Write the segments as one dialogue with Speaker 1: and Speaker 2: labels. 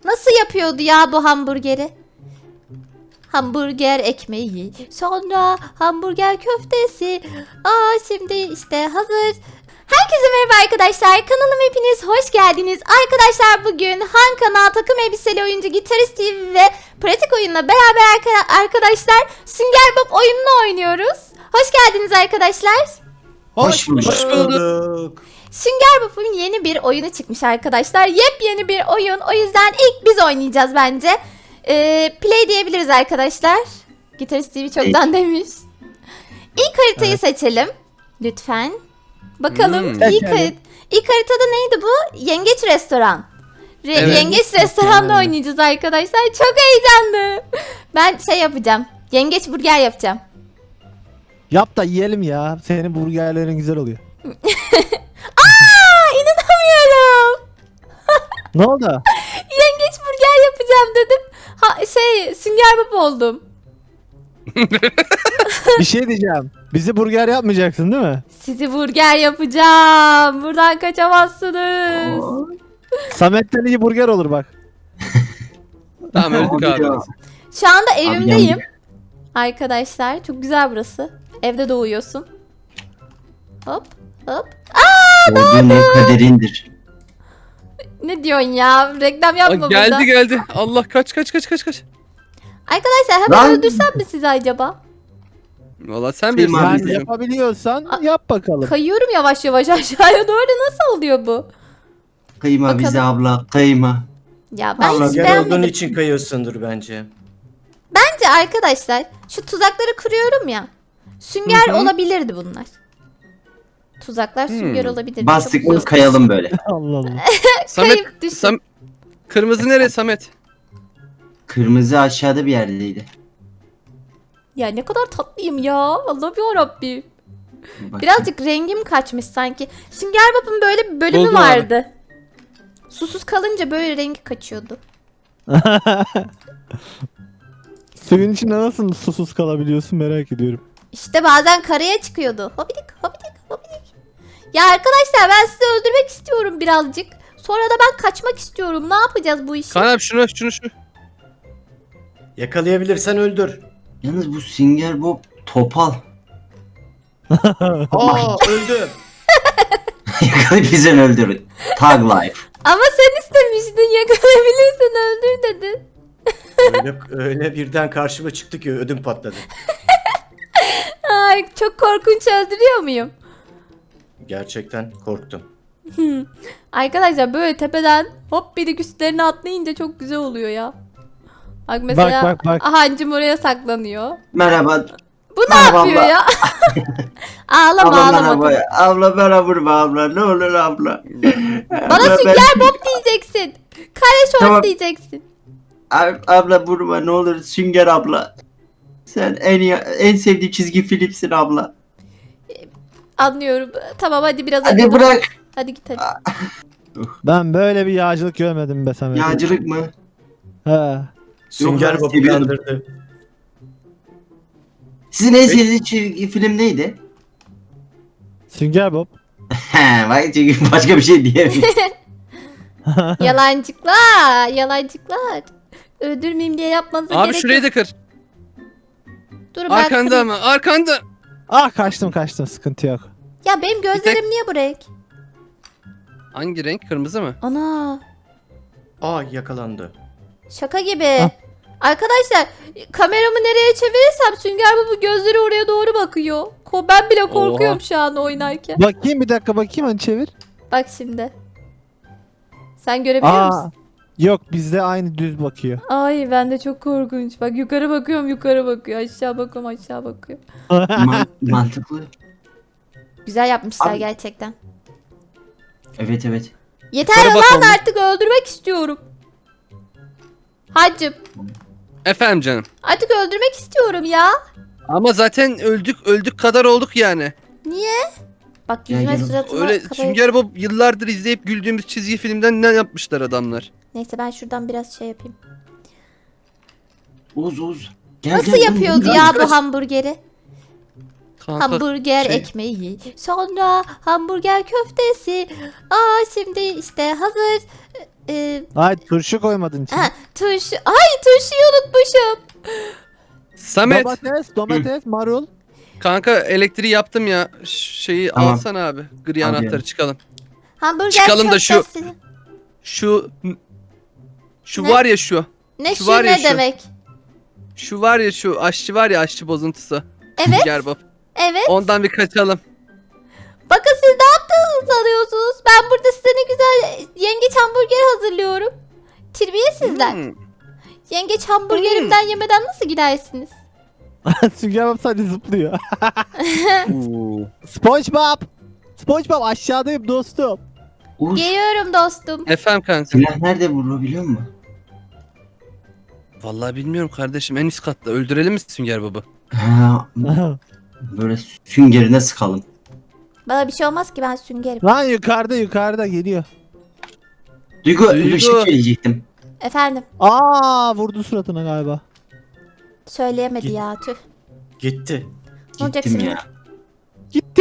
Speaker 1: Nasıl yapıyordu ya bu hamburgeri? Hamburger ekmeği, sonra hamburger köftesi. Şimdi işte hazır. Herkese merhaba arkadaşlar. Kanalıma hepiniz hoş geldiniz. Arkadaşlar bugün Han Kanal takım elbiseli oyuncu Gitarist TV ve pratik oyunla beraber arkadaşlar Sünger Bob oyununu oynuyoruz. Hoş geldiniz arkadaşlar.
Speaker 2: Hoş bulduk.
Speaker 1: Sünger Bob'un yeni bir oyunu çıkmış arkadaşlar. Yepyeni bir oyun. O yüzden ilk biz oynayacağız bence. Play diyebiliriz arkadaşlar. Gitarist TV çoktan demiş. İlk haritayı seçelim. Lütfen. Bakalım ilk haritada neydi bu? Yengeç Restoran.
Speaker 2: Evet.
Speaker 1: Yengeç Restoran'da oynayacağız arkadaşlar. Çok heyecanlı. Ben şey yapacağım. Yengeç burger yapacağım.
Speaker 3: Yap da yiyelim ya. Senin burgerlerin güzel oluyor.
Speaker 1: İnanamıyorum.
Speaker 3: Ne oldu?
Speaker 1: Yengeç burger yapacağım dedim. Sünger Bob oldum.
Speaker 3: Bir şey diyeceğim. Bizi burger yapmayacaksın değil mi?
Speaker 1: Sizi burger yapacağım. Buradan kaçamazsınız.
Speaker 3: Samet'ten iyi burger olur bak.
Speaker 2: Tamam öldük abi.
Speaker 1: Şu anda evimdeyim.
Speaker 2: yandı.
Speaker 1: Arkadaşlar çok güzel burası. Evde doğuyorsun. Hop hop.
Speaker 4: Doğduğun ev kaderindir.
Speaker 1: Ne diyorsun ya? Reklam yapma burada.
Speaker 2: Geldi. Allah kaç.
Speaker 1: Arkadaşlar hemen
Speaker 4: Lan.
Speaker 1: öldürsem mi sizi acaba?
Speaker 2: Valla sen
Speaker 4: Kıyma
Speaker 2: bilirsin.
Speaker 4: abi.
Speaker 3: Sen
Speaker 4: bizim.
Speaker 3: yapabiliyorsan yap bakalım.
Speaker 1: Kayıyorum yavaş yavaş aşağıya doğru. Nasıl oluyor bu?
Speaker 4: Kıyma
Speaker 1: Bakalım.
Speaker 4: bize abla, kıyma.
Speaker 1: Ya ben
Speaker 4: Allah,
Speaker 1: hiç
Speaker 4: gel
Speaker 1: beğenmedim.
Speaker 5: olduğun için kayıyorsundur bence.
Speaker 1: Bence arkadaşlar şu tuzakları kuruyorum ya. Sünger olabilirdi bunlar. Tuzaklar sünger olabilirdi.
Speaker 4: Bastık
Speaker 1: Çok
Speaker 4: mı
Speaker 1: zor.
Speaker 4: kayalım böyle.
Speaker 3: Allah Allah.
Speaker 2: Samet,
Speaker 1: Kayıp düştüm.
Speaker 2: kırmızı nereye Samet?
Speaker 4: Kırmızı aşağıda bir yerdeydi.
Speaker 1: Ya ne kadar tatlıyım ya. Allah'ım yarabbim.
Speaker 4: Bakayım.
Speaker 1: Birazcık rengim kaçmış sanki. Sünger Bob'un böyle bir bölümü
Speaker 2: Buldum abi.
Speaker 1: vardı. Susuz kalınca böyle rengi kaçıyordu.
Speaker 3: Suyun içinde nasıl susuz kalabiliyorsun merak ediyorum.
Speaker 1: İşte bazen karaya çıkıyordu. Hobidik hobidik hobidik. Ya arkadaşlar ben sizi öldürmek istiyorum birazcık. Sonra da ben kaçmak istiyorum. Ne yapacağız bu işi?
Speaker 2: Kaan abi şunu.
Speaker 5: Yakalayabilirsen öldür.
Speaker 4: Yalnız bu Sünger Bob topal.
Speaker 5: Aa öldüm.
Speaker 4: Bizi öldürün. Tag life.
Speaker 1: Ama sen istemiştin yakalayabilirsin öldür dedin.
Speaker 5: öyle birden karşıma çıktı ki ödüm patladı.
Speaker 1: Ay çok korkunç öldürüyor muyum?
Speaker 5: Gerçekten korktum.
Speaker 1: Arkadaşlar böyle tepeden hop bir de üstlerine atlayınca çok güzel oluyor ya. Bak mesela
Speaker 3: bak.
Speaker 1: Hancım oraya saklanıyor.
Speaker 4: Merhaba.
Speaker 1: Bu ne
Speaker 4: Merhaba
Speaker 1: yapıyor
Speaker 4: abla.
Speaker 1: ya? Ağlama
Speaker 4: Abla
Speaker 1: ağlama.
Speaker 4: merhaba. Abla bana vurma abla. Ne olur abla.
Speaker 1: Bana
Speaker 4: Abla,
Speaker 1: Sünger Bob diyeceksin. Kare şort
Speaker 4: Tamam.
Speaker 1: diyeceksin.
Speaker 4: Abla vurma ne olur Sünger abla. Sen en sevdiğim çizgi filmsin abla.
Speaker 1: Anlıyorum. Tamam hadi biraz
Speaker 4: Hadi
Speaker 1: acıdım.
Speaker 4: bırak.
Speaker 1: Hadi git hadi.
Speaker 3: Ben böyle bir yağcılık görmedim be Samet.
Speaker 4: Yağcılık mı?
Speaker 3: He.
Speaker 5: Sünger
Speaker 4: ben
Speaker 5: Bob
Speaker 4: seviyordum.
Speaker 5: uyandırdı.
Speaker 4: Sizin en sevdiğiniz çizgi film neydi?
Speaker 3: Sünger Bob.
Speaker 4: He, bak çünkü başka bir şey diyemiyorum.
Speaker 1: Yalancıklar. Yalancıklar. Öldürmeyeyim diye yapmanıza
Speaker 2: Abi
Speaker 1: gerek
Speaker 2: şurayı
Speaker 1: yok.
Speaker 2: da kır.
Speaker 1: Dur ben
Speaker 2: Arkanda
Speaker 1: kırayım.
Speaker 2: ama arkanda.
Speaker 3: Ah kaçtım sıkıntı yok.
Speaker 1: Ya benim gözlerim niye bu renk?
Speaker 2: Hangi renk? Kırmızı mı?
Speaker 1: Ana.
Speaker 5: Aa yakalandı.
Speaker 1: Şaka gibi.
Speaker 3: Ah.
Speaker 1: Arkadaşlar kameramı nereye çevirirsem Sünger Bob'un gözleri oraya doğru bakıyor. Ben bile korkuyorum şu an oynarken.
Speaker 3: Bakayım bir dakika hani çevir.
Speaker 1: Bak şimdi. Sen görebiliyor musun?
Speaker 3: Yok bizde aynı düz bakıyor.
Speaker 1: Ay bende çok korkunç. Bak yukarı bakıyorum yukarı bakıyor. Aşağı bakıyorum aşağı bakıyor.
Speaker 4: Mantıklı.
Speaker 1: Güzel yapmışlar
Speaker 4: Abi-
Speaker 1: gerçekten.
Speaker 4: Evet.
Speaker 1: Yeter
Speaker 2: Yukarı bak
Speaker 1: lan
Speaker 2: oğlum.
Speaker 1: artık öldürmek istiyorum. Hacım
Speaker 2: Efendim canım.
Speaker 1: artık öldürmek istiyorum ya.
Speaker 2: Ama zaten öldük kadar olduk yani.
Speaker 1: Niye? Bak
Speaker 4: Ya,
Speaker 1: yüzüme
Speaker 4: ya,
Speaker 1: suratıma
Speaker 2: Öyle
Speaker 1: kafaya-
Speaker 2: Sünger Bob yıllardır izleyip güldüğümüz çizgi filmden ne yapmışlar adamlar?
Speaker 1: Neyse ben şuradan biraz şey yapayım.
Speaker 4: Oğuz. Gel,
Speaker 1: Nasıl
Speaker 4: gel,
Speaker 1: yapıyordu
Speaker 4: gel,
Speaker 1: ya
Speaker 4: gel.
Speaker 1: bu hamburgeri?
Speaker 2: Kanka,
Speaker 1: Hamburger
Speaker 2: şey-
Speaker 1: ekmeği, sonra hamburger köftesi. Şimdi işte hazır.
Speaker 3: Ay turşu koymadın içine.
Speaker 1: Ha, turşu. Ay turşuyu unutmuşum.
Speaker 2: Samet
Speaker 3: Domates, marul.
Speaker 2: kanka elektriği yaptım ya. Şeyi
Speaker 4: Tamam.
Speaker 2: alsana abi. Gri
Speaker 4: Alıyorum.
Speaker 2: anahtarı çıkalım.
Speaker 1: Hamburger
Speaker 2: Çıkalım da şu-
Speaker 1: köftesi.
Speaker 2: Şu
Speaker 1: Ne?
Speaker 2: var ya şu.
Speaker 1: Ne
Speaker 2: şu
Speaker 1: şu
Speaker 2: var ya
Speaker 1: ne
Speaker 2: şu.
Speaker 1: demek?
Speaker 2: Şu var ya şu aşçı var ya aşçı bozuntusu.
Speaker 1: Evet.
Speaker 2: Sünger Bob.
Speaker 1: Evet.
Speaker 2: Ondan bir kaçalım.
Speaker 1: Bakın siz ne yaptığınızı sanıyorsunuz. Ben burada size ne güzel yengeç hamburger hazırlıyorum. Terbiyesizler.
Speaker 2: Hmm.
Speaker 1: Yengeç hamburgerimden yemeden nasıl gidersiniz?
Speaker 3: Sünger Bob sadece zıplıyor.
Speaker 2: Oo.
Speaker 3: SpongeBob. SpongeBob aşağıdayım dostum.
Speaker 4: Uğur,
Speaker 1: Geliyorum dostum.
Speaker 2: Efendim kanka.
Speaker 4: silah nerede vurur biliyor musun?
Speaker 2: Vallahi bilmiyorum kardeşim en üst katta. Öldürelim mi Sünger Bob'u?
Speaker 4: Ha, böyle süngerine sıkalım.
Speaker 1: Bana bir şey olmaz ki ben süngerim.
Speaker 3: Lan yukarıda geliyor.
Speaker 4: Duygu,
Speaker 2: Duygu.
Speaker 4: bir şey söyleyecektim.
Speaker 1: Efendim
Speaker 3: Aa vurdu suratına galiba.
Speaker 1: söyleyemedi
Speaker 5: Git.
Speaker 1: ya tüh.
Speaker 5: Gitti.
Speaker 1: Ne olacak
Speaker 4: Gittim
Speaker 1: şimdi?
Speaker 4: ya.
Speaker 3: Gitti.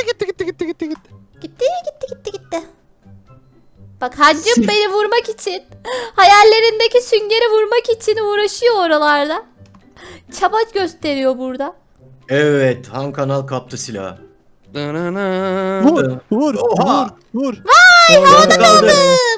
Speaker 1: Gitti. Bak hancım
Speaker 4: Sırf-
Speaker 1: beni vurmak için, hayallerindeki süngeri vurmak için uğraşıyor oralarda. Çaba gösteriyor burada.
Speaker 5: Evet, Han Kanal kaptı silahı.
Speaker 2: Danana.
Speaker 3: Vur.
Speaker 5: Oha!
Speaker 3: Vur.
Speaker 5: Son kaldı.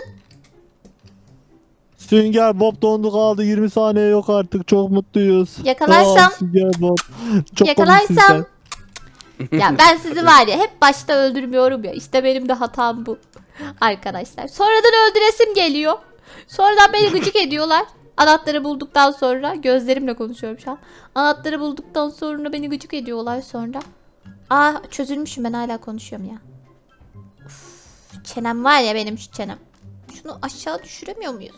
Speaker 3: Sünger Bob dondu kaldı 20 saniye yok artık çok mutluyuz.
Speaker 1: Yakalarsam-
Speaker 3: Sünger Bob. Çok
Speaker 1: Yakalarsam
Speaker 3: komiksin
Speaker 1: ya ben sizi var ya hep başta öldürmüyorum ya. İşte benim de hatam bu. Arkadaşlar. Sonradan öldüresim geliyor. Sonradan beni gıcık ediyorlar. Anahtarı bulduktan sonra gözlerimle konuşuyorum şu an. Anahtarı bulduktan sonra beni gıcık ediyorlar sonra. Aa çözülmüşüm ben hala konuşuyorum ya. Uf, çenem var ya benim şu çenem. Şunu aşağı düşüremiyor muyuz?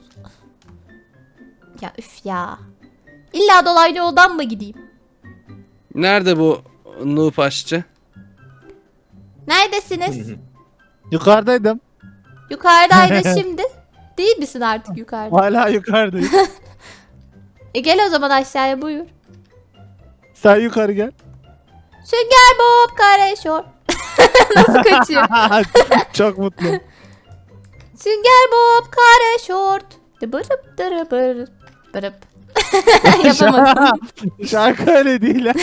Speaker 1: Ya üf ya. İlla dolaylı yoldan mı gideyim?
Speaker 2: Nerede bu noob aşçı?
Speaker 1: Neredesiniz?
Speaker 3: sen. Yukarıdaydım.
Speaker 1: Yukarıdaydı şimdi. Değil misin artık yukarıda?
Speaker 3: Hala yukarıdayım.
Speaker 1: Gel o zaman aşağıya buyur.
Speaker 3: Sen yukarı gel.
Speaker 1: Sünger Bob Kareşor. Nasıl kaçıyor?
Speaker 3: Çok mutlu.
Speaker 1: Sünger Bob Kareşort. Bırıp dırıbır. Bırıp. Yapamadım.
Speaker 3: Şarkı öyle değil ha.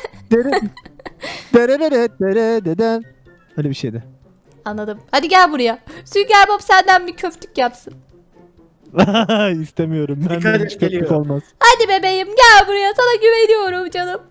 Speaker 3: Deren. Öyle bir şeydi.
Speaker 1: Anladım. Hadi gel buraya. Sünger Bob senden bir köftük yapsın.
Speaker 3: İstemiyorum. Ben
Speaker 5: Dikkat
Speaker 3: de
Speaker 5: et,
Speaker 3: hiç köpük
Speaker 5: geliyor.
Speaker 3: olmaz.
Speaker 1: Hadi bebeğim gel buraya. Sana güveniyorum canım.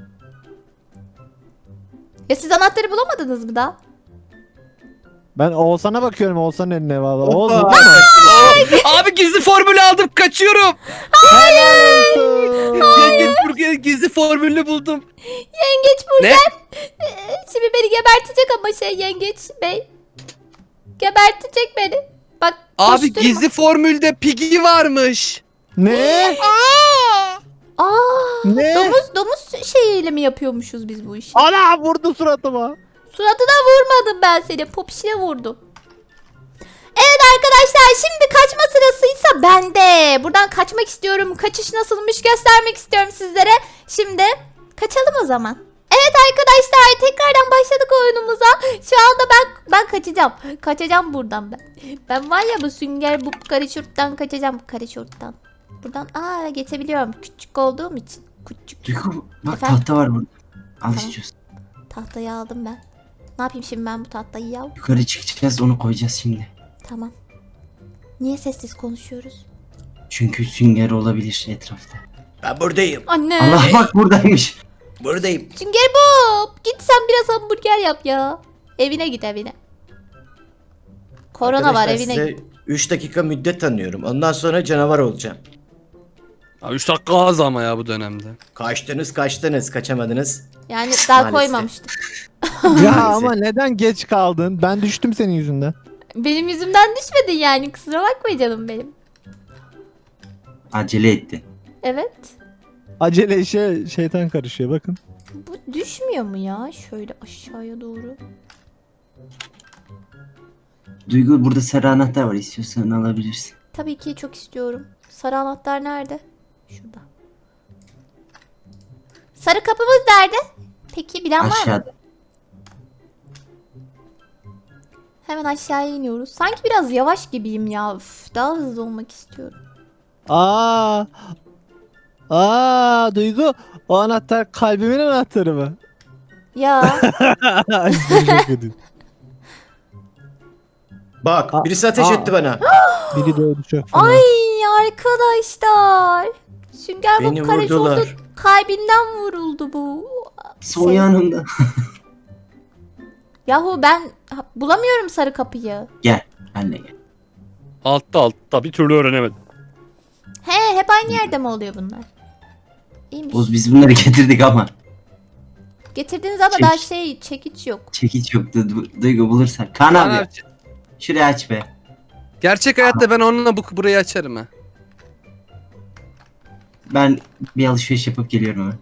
Speaker 1: Ya siz anahtarı bulamadınız mı daha?
Speaker 3: Ben Oğuzhan'a bakıyorum Oğuzhan'ın eline valla.
Speaker 5: Hoppa.
Speaker 3: Oğuz burada mı?
Speaker 2: Abi gizli formülü aldım kaçıyorum.
Speaker 3: Helal olsun.
Speaker 2: Yengeç burger gizli formülünü buldum.
Speaker 1: Yengeç burger. Şimdi beni gebertecek ama yengeç bey. Gebertecek beni. Bak
Speaker 2: Abi
Speaker 1: koşturma.
Speaker 2: gizli formülde Piggy varmış.
Speaker 3: Ne?
Speaker 1: Aa,
Speaker 3: Ne?
Speaker 1: domuz şeyiyle mi yapıyormuşuz biz bu işi?
Speaker 3: Ana vurdu suratıma.
Speaker 1: Suratına vurmadım ben seni. Popişine vurdum. Evet arkadaşlar şimdi kaçma sırasıysa bende. Buradan kaçmak istiyorum. Kaçış nasılmış göstermek istiyorum sizlere. Şimdi kaçalım o zaman. Evet arkadaşlar tekrardan başladık oyunumuza. Şu anda ben kaçacağım. Kaçacağım buradan ben. Ben var ya bu sünger bu karışurttan kaçacağım. Karışurttan. Buradan geçebiliyorum. Küçük olduğum için. Küçük.
Speaker 4: Duygu bak
Speaker 1: Efendim?
Speaker 4: tahta var burada. Al
Speaker 1: Tamam.
Speaker 4: istiyorsan.
Speaker 1: Tahtayı aldım ben. Ne yapayım şimdi ben bu tahtayı ya?
Speaker 4: Yukarı çıkacağız onu koyacağız şimdi.
Speaker 1: Tamam. Niye sessiz konuşuyoruz?
Speaker 4: Çünkü sünger olabilir etrafta.
Speaker 5: Ben buradayım.
Speaker 1: Anne.
Speaker 4: Allah bak buradaymış.
Speaker 5: Buradayım.
Speaker 1: Sünger Bob. Git sen biraz hamburger yap ya. Evine git evine. Korona var
Speaker 5: Arkadaşlar,
Speaker 1: evine
Speaker 5: size
Speaker 1: git.
Speaker 5: 3 dakika müddet tanıyorum. Ondan sonra canavar olacağım.
Speaker 2: 3 dakika az ama ya bu dönemde.
Speaker 5: Kaçtınız, kaçamadınız.
Speaker 1: Yani daha
Speaker 5: Maalesef.
Speaker 1: koymamıştım.
Speaker 3: Ya
Speaker 5: Maalesef.
Speaker 3: ama neden geç kaldın? Ben düştüm senin yüzünden.
Speaker 1: Benim yüzümden düşmedin yani. Kusura bakma canım benim.
Speaker 4: Acele etti.
Speaker 1: Evet.
Speaker 3: Acele işe şeytan karışıyor bakın.
Speaker 1: Bu düşmüyor mu ya? Şöyle aşağıya doğru.
Speaker 4: Duygu burada sarı anahtar var istiyorsan alabilirsin.
Speaker 1: Tabii ki çok istiyorum. Sarı anahtar nerede? Şurada. Sarı kapımız nerede? Peki bilen var mı?
Speaker 4: Aşağıda.
Speaker 1: Hemen aşağıya iniyoruz. Sanki biraz yavaş gibiyim ya. Üf, daha hızlı olmak istiyorum.
Speaker 3: Aa. Aa Duygu, o anahtar kalbimin anahtarı mı?
Speaker 1: Ya
Speaker 5: Bak birisi ateş
Speaker 3: Aa.
Speaker 5: etti bana.
Speaker 3: Biri de öldü çok fena.
Speaker 1: ay arkadaşlar. Sünger Bob
Speaker 5: Beni
Speaker 1: Karaşoğlu
Speaker 5: vurdular.
Speaker 1: kalbinden vuruldu bu.
Speaker 4: Sol yanımda.
Speaker 1: Yahu ben bulamıyorum sarı kapıyı.
Speaker 4: Gel. Anne gel.
Speaker 2: Altta bir türlü öğrenemedim.
Speaker 1: He, hep aynı yerde mi oluyor bunlar? İyiymiş.
Speaker 4: Oğuz biz bunları getirdik ama.
Speaker 1: Getirdiniz ama daha çekiç yok.
Speaker 4: Çekiç yoktu. Duygu bulursak. Kaan abi.
Speaker 2: Abi,
Speaker 4: Şurayı aç be.
Speaker 2: gerçek hayatta ben onunla burayı açarım ha.
Speaker 4: Ben bir alışveriş yapıp geliyorum hemen.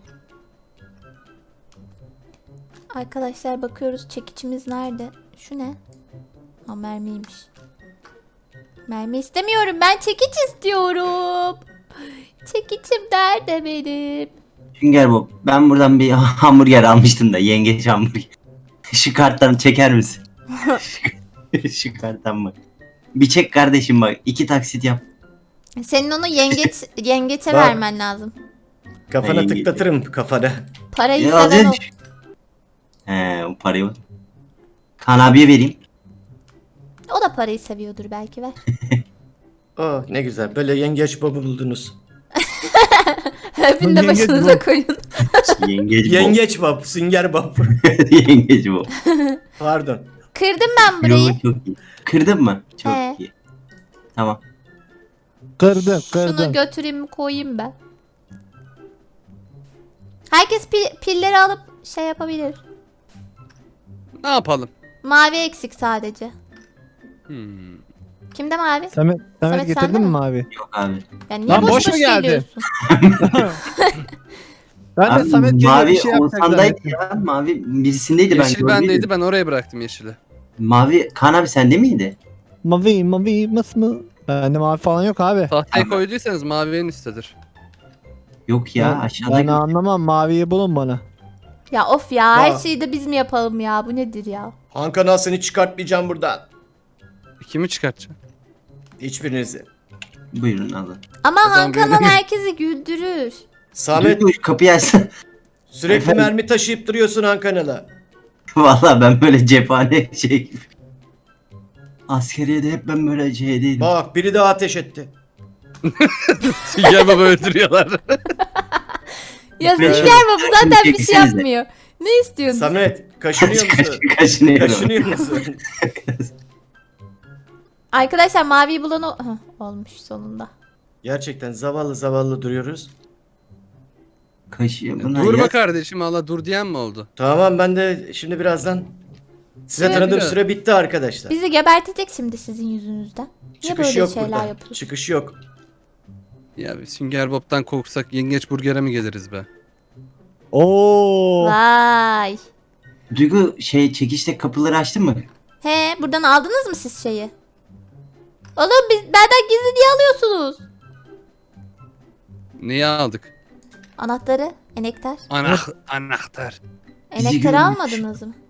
Speaker 1: Arkadaşlar bakıyoruz çekiçimiz nerede? Şu ne? Ha, mermiymiş. Mermi istemiyorum, ben çekiç istiyorum. Çekiçim nerede benim?
Speaker 4: Sünger Bob. Ben buradan bir hamburger almıştım da. Yengeç hamburger. Şu karttan çeker misin? Şu karttan bak. Bir çek kardeşim bak. 2 taksit yap.
Speaker 1: Senin onu yengeçe
Speaker 5: Bak.
Speaker 1: vermen lazım.
Speaker 5: Kafana
Speaker 4: Ay,
Speaker 5: tıklatırım kafana.
Speaker 1: Parayı
Speaker 4: Ya
Speaker 1: seven o.
Speaker 4: hadi. He o parayı var. Kaan abiye vereyim.
Speaker 1: O da parayı seviyordur belki, ver.
Speaker 5: Oh ne güzel. Böyle yengeç babı buldunuz.
Speaker 1: Öpün de
Speaker 3: Yengeç
Speaker 1: başınıza
Speaker 3: bu.
Speaker 1: koyun.
Speaker 4: Yengeç Bob.
Speaker 5: Yengeç bab, sünger bab.
Speaker 4: Yengeç Bob.
Speaker 5: Pardon.
Speaker 1: Kırdım ben burayı.
Speaker 4: Yo, çok iyi. Kırdın mı? Çok
Speaker 1: He.
Speaker 4: iyi. Tamam.
Speaker 3: Kırdım
Speaker 1: Şunu
Speaker 3: kırdım.
Speaker 1: götüreyim koyayım ben. Herkes pilleri alıp şey yapabilir.
Speaker 2: Ne yapalım?
Speaker 1: Mavi eksik sadece.
Speaker 2: Hmm.
Speaker 1: Kimde mavi?
Speaker 3: Samet
Speaker 1: Samet, sende
Speaker 3: getirdin mi
Speaker 1: mi?
Speaker 3: mavi?
Speaker 4: Yok abi.
Speaker 1: Ya niye
Speaker 3: Lan
Speaker 1: boş
Speaker 3: boş mu
Speaker 1: boş
Speaker 3: geldi?
Speaker 1: geliyorsun?
Speaker 3: Ben de
Speaker 4: Abi,
Speaker 3: Samet geliyor
Speaker 4: mavi
Speaker 3: bir şey yapacak
Speaker 4: Oğuzhan'daydı
Speaker 3: zannettim.
Speaker 4: ya. Mavi birisindeydi ben
Speaker 2: Yeşil
Speaker 4: gördüm.
Speaker 2: bendeydi, ben oraya bıraktım yeşili.
Speaker 4: Mavi Kaan abi sende miydi?
Speaker 3: Mavi mı? Bende mavi falan yok abi.
Speaker 2: Tahtayı
Speaker 4: Ama-
Speaker 2: koyduysanız mavi en üsttedir.
Speaker 4: Yok ya
Speaker 3: Ben
Speaker 4: aşağıda.
Speaker 3: anlamam, maviyi bulun bana.
Speaker 1: Ya of ya, her
Speaker 5: Ya.
Speaker 1: şeyi de biz mi yapalım ya? Bu nedir ya?
Speaker 5: Han Kanal seni çıkartmayacağım buradan.
Speaker 2: Kimi çıkartacağım?
Speaker 5: Hiçbirinizi.
Speaker 4: Buyurun alın.
Speaker 1: Ama
Speaker 2: O zaman
Speaker 1: Han Kanal
Speaker 2: benim-
Speaker 1: herkesi güldürür.
Speaker 5: Samet
Speaker 4: Duygu, kapıyı açsana.
Speaker 5: sürekli
Speaker 4: Efendim?
Speaker 5: mermi taşıyıp duruyorsun Han Kanal'a.
Speaker 4: Valla ben böyle cephane şey gibi. Askeriyede hep ben böyle şeydeydim.
Speaker 5: Bak biri daha ateş etti.
Speaker 2: Sünger Baba öldürüyorlar.
Speaker 1: Ya
Speaker 4: Evet.
Speaker 1: Sünger Baba zaten bir şey
Speaker 4: Çekilsenize.
Speaker 1: yapmıyor. Ne istiyorsun?
Speaker 5: Samet kaşınıyor musun?
Speaker 4: Kaşınıyorum.
Speaker 5: Kaşınıyor musun?
Speaker 1: Arkadaşlar maviyi bulan o... Hah, olmuş sonunda.
Speaker 5: Gerçekten zavallı zavallı duruyoruz.
Speaker 4: Kaşıyor bunlar
Speaker 2: Durma
Speaker 4: ya.
Speaker 2: kardeşim, Allah dur diyen mi oldu?
Speaker 5: Tamam ben de şimdi birazdan size
Speaker 1: Evet,
Speaker 5: tanıdığım
Speaker 2: biraz.
Speaker 5: süre bitti arkadaşlar.
Speaker 1: Bizi gebertecek şimdi sizin yüzünüzden. Niye
Speaker 5: Çıkış
Speaker 1: böyle
Speaker 5: yok
Speaker 1: şeyler
Speaker 5: burada.
Speaker 1: yapıyorsun?
Speaker 5: Çıkış yok.
Speaker 2: Ya biz Sünger Bob'tan korksak yengeç burger'e mi geliriz be?
Speaker 3: Oo.
Speaker 1: Vay.
Speaker 4: Duygu şey çekişte kapıları açtın mı?
Speaker 1: He, buradan aldınız mı siz şeyi? Oğlum benden gizli niye alıyorsunuz?
Speaker 2: Neyi aldık?
Speaker 1: Anahtarı, enektar.
Speaker 2: Anahtar.
Speaker 1: Enektarı
Speaker 4: görmüş.
Speaker 1: almadınız mı?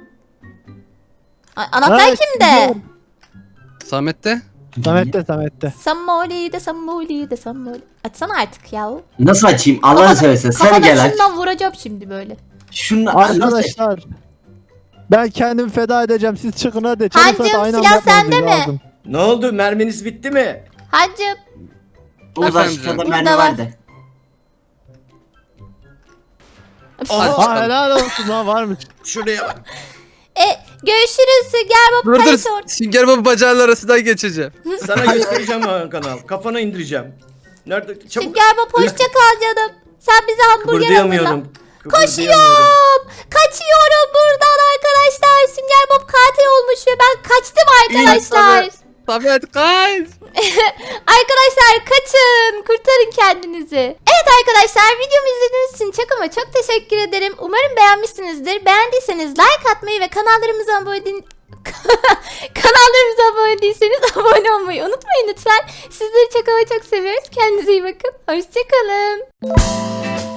Speaker 1: Anahtar
Speaker 3: Evet,
Speaker 1: kimde?
Speaker 3: biliyorum.
Speaker 2: Samet'te?
Speaker 3: Samet'te.
Speaker 1: Sammoli de Sammoli. Açsana artık yahu.
Speaker 4: Nasıl açayım? Allah'ını seversen sen gel aç.
Speaker 1: şundan vuracağım şimdi böyle.
Speaker 4: Şunu nasıl?
Speaker 3: Arkadaşlar. Ben kendimi feda edeceğim. Siz çıkın hadi.
Speaker 1: Hancım,
Speaker 3: Çabuk aynı
Speaker 1: silah
Speaker 3: anda yapmamız
Speaker 1: sende mi?
Speaker 3: lazım.
Speaker 5: Ne oldu? Merminiz bitti mi?
Speaker 1: Hancım.
Speaker 4: Oğuz
Speaker 2: Efendim
Speaker 4: aşağıda
Speaker 2: canım.
Speaker 4: mermi
Speaker 1: Burada var.
Speaker 4: vardı.
Speaker 5: Aha.
Speaker 3: Ha helal olsun ha varmış.
Speaker 5: Şuraya bak.
Speaker 1: Görüşürüz. Gel baba
Speaker 2: Dur
Speaker 1: Karaşor.
Speaker 2: dur. Sünger Baba bacağının arasından geçeceğim.
Speaker 5: Sana göstereceğim Han Kanal. Kafana indireceğim. Nerede? Çabuk.
Speaker 1: Sünger Bob hoşça kal canım. Sen bize hamburger hazırla.
Speaker 5: Kıpırdayamıyorum.
Speaker 1: Koşuyorum. Kaçıyorum buradan arkadaşlar. Sünger Bob katil olmuş ve ben kaçtım arkadaşlar.
Speaker 2: Samet kaç.
Speaker 1: Arkadaşlar kaçın. Kurtarın kendinizi. Evet arkadaşlar, videomu izlediğiniz için çok ama çok teşekkür ederim. Umarım beğenmişsinizdir. Beğendiyseniz like atmayı ve kanallarımıza abone değilseniz abone olmayı unutmayın lütfen. Sizleri çok ama çok seviyoruz. Kendinize iyi bakın. Hoşçakalın.